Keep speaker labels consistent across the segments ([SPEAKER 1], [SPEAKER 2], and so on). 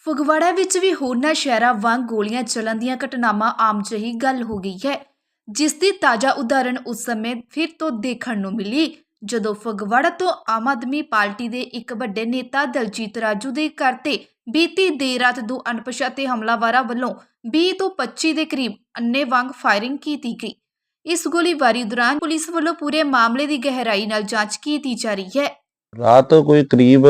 [SPEAKER 1] ਫਗਵਾੜਾ ਵਿੱਚ ਵੀ ਹੋਰਨਾਂ ਸ਼ਹਿਰਾਂ ਵਾਂਗ ਗੋਲੀਆਂ ਚੱਲਣ ਦੀਆਂ ਘਟਨਾਵਾਂ ਆਮ ਜਿਹੀ ਗੱਲ ਹੋ ਗਈ ਹੈ, ਜਿਸ ਦੀ ਤਾਜ਼ਾ ਉਦਾਹਰਣ ਉਸ ਸਮੇਂ ਫਿਰ ਤੋਂ ਦੇਖਣ ਨੂੰ ਮਿਲੀ ਜਦੋਂ ਫਗਵਾੜਾ ਤੋਂ ਆਮ ਆਦਮੀ ਪਾਰਟੀ ਦੇ ਇੱਕ ਵੱਡੇ ਨੇਤਾ ਦਲਜੀਤ ਰਾਜੂ ਦੇ ਘਰ ਤੇ ਬੀਤੀ ਦੇਰ ਰਾਤ ਦੋ ਅਣਪਛਾਤੇ ਹਮਲਾਵਰਾਂ ਵੱਲੋਂ 20 ਤੋਂ 25 ਦੇ ਕਰੀਬ ਅੰਨ੍ਹੇਵਾਹ ਫਾਇਰਿੰਗ ਕੀਤੀ ਗਈ। ਇਸ ਗੋਲੀਬਾਰੀ ਦੌਰਾਨ ਪੁਲਿਸ ਵੱਲੋਂ ਪੂਰੇ ਮਾਮਲੇ ਦੀ ਗਹਿਰਾਈ ਨਾਲ ਜਾਂਚ ਕੀਤੀ ਜਾ ਰਹੀ ਹੈ।
[SPEAKER 2] ਰਾਤ ਕੋਈ ਕਰੀਬ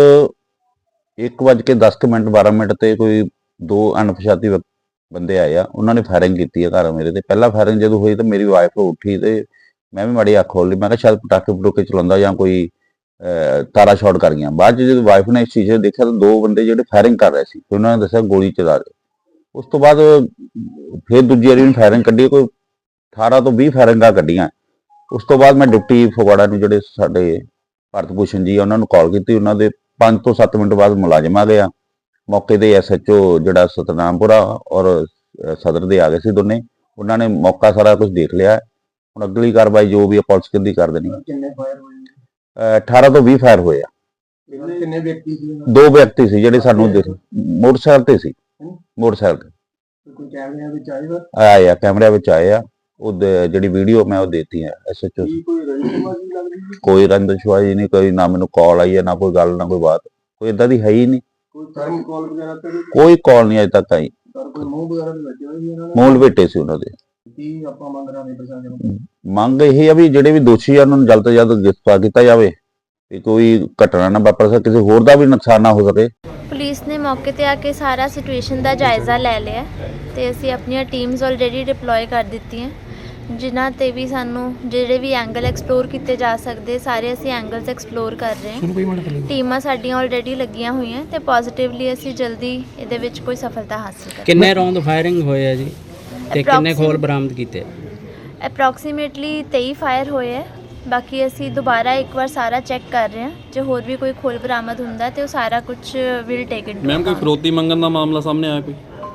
[SPEAKER 2] 1:10 12 ਮਿੰਟ ਤੇ ਕੋਈ ਦੋ ਅਣਪਛਾਤੇ ਬੰਦੇ ਆਏ ਆ। ਉਹਨਾਂ ਨੇ ਫਾਇਰਿੰਗ ਕੀਤੀ ਆ ਘਰ ਮੇਰੇ ਤੇ। ਪਹਿਲਾ ਫਾਇਰਿੰਗ ਜਦੋਂ ਹੋਈ ਤਾਂ ਮੇਰੀ ਵਾਈਫ ਉੱਠੀ ਤੇ ਮੈਂ ਵੀ ਮਾੜੀ ਅੱਖ ਖੋਲ ਲਈ। ਮੈਂ ਕਿਹਾ ਸ਼ਾਇਦ ਪਟਾਕੇ ਚਲਾਉਂਦਾ ਜਾਂ ਕੋਈ ਤਾਰਾ ਸ਼ਾਰਟ ਕਰ ਗਿਆ। ਬਾਅਦ 'ਚ ਜਦੋਂ ਵਾਈਫ ਨੇ ਇਸ ਚੀਜ਼ ਨੂੰ ਦੇਖਿਆ ਤਾਂ ਦੋ ਬੰਦੇ ਜਿਹੜੇ ਫਾਇਰਿੰਗ ਕਰ ਰਹੇ ਸੀ ਤੇ ਉਹਨਾਂ ਨੇ ਦੱਸਿਆ ਗੋਲੀ ਚਲਾ ਰਹੇ। ਉਸ ਤੋਂ ਬਾਅਦ ਫਿਰ ਦੂਜੀ ਵਾਰੀ ਫਾਇਰਿੰਗ ਕੱਢੀ, ਕੋਈ 18 ਤੋਂ 20 ਫਾਇਰਿੰਗਾਂ ਕੱਢੀਆਂ। ਉਸ ਤੋਂ ਬਾਅਦ ਮੈਂ ਡਿਪਟੀ ਫਗਵਾੜਾ ਨੂੰ ਜਿਹੜੇ ਸਾਡੇ ਭਾਰਤ ਭੂਸ਼ਣ ਜੀ ਉਹਨਾਂ ਨੂੰ ਕਾਲ ਕੀਤੀ। ਉਹਨਾਂ ਦੇ 5 ਤੋਂ 7 ਮਿੰਟ ਬਾਅਦ ਮੁਲਾਜ਼ਮ ਆ ਗਿਆ ਮੌਕੇ ਤੇ। SHO ਜਿਹੜਾ ਸਤਨਾਮਪੁਰਾ ਔਰ ਸਦਰ ਦੇ ਆ ਗਏ ਸੀ ਦੋਨੇ। ਉਹਨਾਂ ਨੇ ਮੌਕਾ ਸਾਰਾ ਕੁਝ ਦੇਖ ਲਿਆ। ਹੁਣ ਅਗਲੀ ਕਾਰਵਾਈ ਜੋ ਵੀ ਪੁਲਿਸ ਕਹਿੰਦੀ ਕਰ ਦੇਣੀ।
[SPEAKER 3] ਕਿੰਨੇ ਫਾਇਰ ਹੋਏ?
[SPEAKER 2] 18 ਤੋਂ 20 ਫਾਇਰ ਹੋਏ ਆ।
[SPEAKER 3] ਕਿੰਨੇ ਵਿਅਕਤੀ ਸੀ?
[SPEAKER 2] ਦੋ ਵਿਅਕਤੀ ਸੀ ਜਿਹੜੇ ਸਾਨੂੰ ਮੋਟਰਸਾਈਕਲ ਤੇ ਸੀ। ਮੋਟਰਸਾਈਕਲ ਤੇ
[SPEAKER 3] ਕੋਈ ਕੈਮਰਿਆਂ ਵਿੱਚ ਆਏਗਾ?
[SPEAKER 2] ਆਏ ਆ, ਕੈਮਰਿਆਂ ਵਿੱਚ ਆਏ ਆ। ਉਹ ਜਿਹੜੀ ਵੀਡੀਓ ਮੈਂ ਉਹ ਦੇਤੀ ਹੈ SHO।
[SPEAKER 3] ਕੋਈ ਰੰਜਿਸ਼ਬਾਜ਼ੀ ਲੱਗ ਰਹੀ ਹੈ?
[SPEAKER 2] ਕੋਈ ਰੰਜਿਸ਼ਬਾਜ਼ੀ ਨਹੀਂ, ਕੋਈ ਨਾ ਮੈਨੂੰ ਕਾਲ ਆਈ ਹੈ, ਨਾ ਕੋਈ ਗੱਲ, ਨਾ ਕੋਈ ਬਾਤ, ਕੋਈ ਏਦਾਂ ਦੀ ਹੈ ਹੀ ਨਹੀਂ।
[SPEAKER 3] ਕੋਈ ਫੋਨ ਕਾਲ ਵਗੈਰਾ ਤੇ
[SPEAKER 2] ਕੋਈ ਕਾਲ ਨਹੀਂ ਅਜੇ ਤੱਕ ਆਈ।
[SPEAKER 3] ਕੋਈ ਮੂੰਹ ਵਗੈਰਾ ਵੀ ਲੱਗੇ ਹੋਏ ਸੀ ਇਹਨਾਂ ਨੇ?
[SPEAKER 2] ਮੂੰਹ ਲਪੇਟੇ ਸੀ ਉਹਨਾਂ ਦੇ।
[SPEAKER 3] ਕੀ ਆਪਾਂ ਮੰਗ ਰਹੇ ਹਾਂ ਪ੍ਰਸ਼ਾਸਨ ਨੂੰ?
[SPEAKER 2] ਮੰਗ ਇਹ ਆ ਵੀ ਜਿਹੜੇ ਵੀ ਦੋਸ਼ੀ ਆ ਉਹਨਾਂ ਨੂੰ ਜਲਦ ਤੋਂ ਜਲਦ ਗ੍ਰਿਫਤਾਰ ਕੀਤਾ ਜਾਵੇ ਤੇ ਕੋਈ ਘਟਨਾ ਨਾ ਵਾਪਰ ਸਕੇ, ਕਿਸੇ ਹੋਰ ਦਾ ਵੀ ਨੁਕਸਾਨ ਨਾ ਹੋ ਸਕੇ।
[SPEAKER 4] ਪੁਲਿਸ ਨੇ ਮੌਕੇ ਤੇ ਆ ਕੇ ਸਾਰਾ ਸਿਚੁਏਸ਼ਨ ਦਾ ਜਾਇਜ਼ਾ ਲੈ ਲਿਆ ਤੇ ਅਸੀਂ ਆਪਣੀਆਂ ਟੀਮਸ ਆਲਰੇਡੀ ਡਿਪਲੋਏ ਕਰ ਦਿੱਤੀਆਂ, ਜਿਨ੍ਹਾਂ ਤੇ ਵੀ ਸਾਨੂੰ ਜਿਹੜੇ ਵੀ ਐਂਗਲ ਐਕਸਪਲੋਰ ਕੀਤੇ ਜਾ ਸਕਦੇ ਸਾਰੇ ਅਸੀਂ ਐਂਗਲਸ ਐਕਸਪਲੋਰ ਕਰ ਰਹੇ ਹਾਂ। ਟੀਮਾਂ ਸਾਡੀਆਂ ਆਲਰੇਡੀ ਲੱਗੀਆਂ ਹੋਈਆਂ ਤੇ ਪੋਜ਼ਿਟਿਵਲੀ ਅਸੀਂ ਜਲਦੀ ਇਹਦੇ ਵਿੱਚ ਕੋਈ ਸਫਲਤਾ ਹਾਸਲ ਕਰਾਂਗੇ।
[SPEAKER 5] ਕਿੰਨੇ ਰੌਂਦ ਫਾਇਰਿੰਗ ਹੋਏ ਆ ਜੀ ਤੇ ਕਿੰਨੇ ਖੋਲ ਬਰਾਮਦ ਕੀਤੇ?
[SPEAKER 4] ਅਪਰੋਕਸੀਮੇਟਲੀ 23 ਫਾਇਰ ਹੋਏ ਹੈ। ਬਾਕੀ ਅਸੀਂ ਦੁਬਾਰਾ ਇੱਕ ਵਾਰ ਸਾਰਾ ਚੈੱਕ ਕਰ ਰਹੇ ਹਾਂ, ਜੇ ਹੋਰ ਵੀ ਕੋਈ ਖੋਲ ਬਰਾਮਦ ਹੁੰਦਾ ਤੇ ਉਹ ਸਾਰਾ ਕੁਝ ਵਿਲ ਟੇਕ ਇਨਟੂ।
[SPEAKER 6] ਮੈਮ ਕੋਈ ਫਰੋਤੀ ਮੰਗਣ ਦਾ ਮਾਮਲਾ ਸਾਹਮਣੇ ਆਇਆ ਕੋਈ?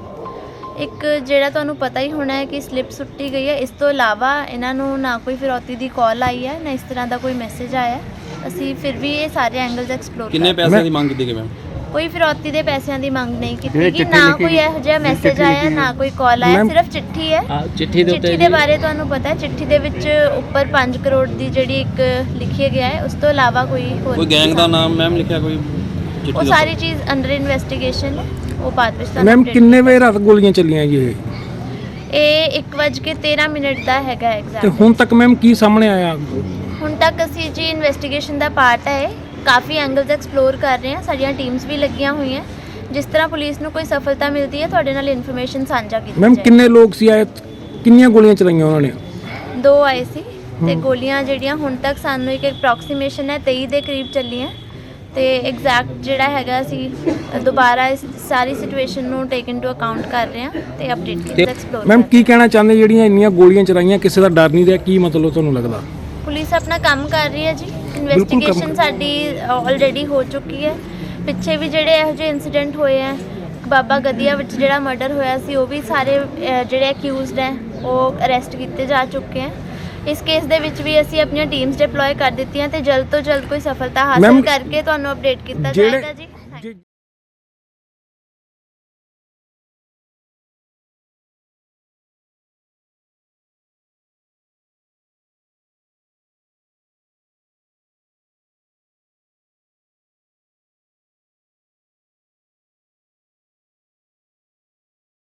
[SPEAKER 4] ਇੱਕ ਜਿਹੜਾ ਤੁਹਾਨੂੰ ਪਤਾ ਹੀ ਹੋਣਾ ਹੈ ਕਿ ਸਲਿੱਪ ਸੁੱਟੀ ਗਈ ਹੈ। ਇਸ ਤੋਂ ਇਲਾਵਾ ਇਹਨਾਂ ਨੂੰ ਨਾ ਕੋਈ ਫਿਰੌਤੀ ਦੀ ਕਾਲ ਆਈ ਹੈ, ਨਾ ਇਸ ਤਰ੍ਹਾਂ ਦਾ ਕੋਈ ਮੈਸੇਜ ਆਇਆ। ਅਸੀਂ ਫਿਰ ਵੀ ਇਹ ਸਾਰੇ ਐਂਗਲਸ ਐਕਸਪਲੋਰ ਕਰ ਰਹੇ ਹਾਂ।
[SPEAKER 6] ਕਿੰਨੇ ਪੈਸਿਆਂ ਦੀ ਮੰਗ ਕੀਤੀ ਗਈ ਮੈਮ?
[SPEAKER 4] ਕੋਈ ਫਿਰੌਤੀ ਦੇ ਪੈਸਿਆਂ ਦੀ ਮੰਗ ਨਹੀਂ ਕੀਤੀ ਗਈ, ਨਾ ਕੋਈ ਇਹੋ ਜਿਹਾ ਮੈਸੇਜ ਆਇਆ, ਨਾ ਕੋਈ ਕਾਲ ਆਇਆ। ਸਿਰਫ ਚਿੱਠੀ ਹੈ। ਚਿੱਠੀ ਦੇ ਬਾਰੇ ਤੁਹਾਨੂੰ ਪਤਾ ਹੈ, ਚਿੱਠੀ ਦੇ ਵਿੱਚ ਉੱਪਰ 5 ਕਰੋੜ ਦੀ ਜਿਹੜੀ ਇੱਕ ਲਿਖਿਆ ਗਿਆ ਹੈ। ਉਸ ਤੋਂ ਇਲਾਵਾ ਕੋਈ ਹੋਰ
[SPEAKER 6] ਗੈਂਗ ਦਾ ਨਾਮ ਮੈਮ ਲਿਖਿਆ ਕੋਈ?
[SPEAKER 4] ਉਹ ਸਾਰੀ ਚੀਜ਼ ਅੰਡਰ ਇਨਵੈਸਟੀਗੇਸ਼ਨ ਹੈ, ਉਹ ਬਾਅਦ ਵਿੱਚ ਤੁਹਾਨੂੰ
[SPEAKER 7] ਮੈਮ ਕਿੰਨੇ ਵਜੇ ਰਾਤ ਗੋਲੀਆਂ ਚੱਲੀਆਂ ਜੀ?
[SPEAKER 4] ਇਹ 1:13 ਦਾ ਹੈਗਾ ਐਗਜ਼ੈਕਟ।
[SPEAKER 7] ਤੇ ਹੁਣ ਤੱਕ ਮੈਮ ਕੀ ਸਾਹਮਣੇ ਆਇਆ?
[SPEAKER 4] ਹੁਣ ਤੱਕ ਅਸੀਂ ਜੀ ਇਨਵੈਸਟੀਗੇਸ਼ਨ ਦਾ ਪਾਰਟ ਹੈ, ਕਾਫੀ ਐਂਗਲਸ ਐਕਸਪਲੋਰ ਕਰ ਰਹੇ ਹਾਂ। ਸਾਡੀਆਂ ਟੀਮਸ ਵੀ ਲੱਗੀਆਂ ਹੋਈਆਂ। ਜਿਸ ਤਰ੍ਹਾਂ ਪੁਲਿਸ ਨੂੰ ਕੋਈ ਸਫਲਤਾ ਮਿਲਦੀ ਹੈ ਤੁਹਾਡੇ ਨਾਲ ਇਨਫੋਰਮੇਸ਼ਨ ਸਾਂਝਾ ਕੀਤੀ
[SPEAKER 7] ਮੈਮ
[SPEAKER 4] ਜਾਏਗੀ।
[SPEAKER 7] ਕਿੰਨੇ ਲੋਕ ਸੀ ਆਏ? ਕਿੰਨੀਆਂ ਗੋਲੀਆਂ ਚਲਾਈਆਂ ਉਹਨਾਂ ਨੇ?
[SPEAKER 4] 2 ਆਏ ਸੀ ਤੇ ਗੋਲੀਆਂ ਜਿਹੜੀਆਂ ਹੁਣ ਤੱਕ ਸਾਨੂੰ ਇੱਕ ਅਪਰੋਕਸੀਮੇਸ਼ਨ ਹੈ 23 ਦੇ ਕਰੀਬ ਚੱਲੀਆਂ ਤੇ ਐਗਜ਼ੈਕਟ ਜਿਹੜਾ ਹੈਗਾ ਅਸੀਂ ਦੁਬਾਰਾ ਇਸ ਸਾਰੀ ਸਿਚੁਏਸ਼ਨ ਨੂੰ ਟੇਕ ਇਨਟੂ ਅਕਾਊਂਟ ਕਰ ਰਹੇ ਹਾਂ ਤੇ ਅਪਡੇਟ ਐਕਸਪਲੋਰ।
[SPEAKER 7] ਮੈਮ ਕੀ ਕਹਿਣਾ ਚਾਹੁੰਦੇ ਜਿਹੜੀਆਂ ਇੰਨੀਆਂ ਗੋਲੀਆਂ ਚਲਾਈਆਂ, ਕਿਸੇ ਦਾ ਡਰ ਨਹੀਂ ਰਿਹਾ? ਕੀ ਮਤਲਬ ਤੁਹਾਨੂੰ ਲੱਗਦਾ?
[SPEAKER 4] ਪੁਲਿਸ ਆਪਣਾ ਕੰਮ ਕਰ ਰਹੀ ਹੈ ਜੀ। ਇਨਵੈਸਟੀਗੇਸ਼ਨ ਸਾਡੀ ਆਲਰੇਡੀ ਹੋ ਚੁੱਕੀ ਹੈ। ਪਿੱਛੇ ਵੀ ਜਿਹੜੇ ਇਹੋ ਜਿਹੇ ਇਨਸੀਡੈਂਟ ਹੋਏ ਹੈ, ਬਾਬਾ ਗਦੀਆ ਵਿੱਚ ਜਿਹੜਾ ਮਰਡਰ ਹੋਇਆ ਸੀ, ਉਹ ਵੀ ਸਾਰੇ ਜਿਹੜੇ ਅਕਿਊਜ਼ਡ ਹੈ ਉਹ ਅਰੈਸਟ ਕੀਤੇ ਜਾ ਚੁੱਕੇ ਹੈ। ਇਸ ਕੇਸ ਦੇ ਵਿੱਚ ਵੀ ਅਸੀਂ ਆਪਣੀਆਂ ਟੀਮਸ ਡਿਪਲੋਏ ਕਰ ਦਿੱਤੀਆਂ ਤੇ ਜਲਦ ਤੋਂ ਜਲਦ ਕੋਈ ਸਫਲਤਾ ਹਾਸਲ ਕਰਕੇ ਤੁਹਾਨੂੰ ਅਪਡੇਟ ਕੀਤਾ ਜਾਏਗਾ ਜੀ।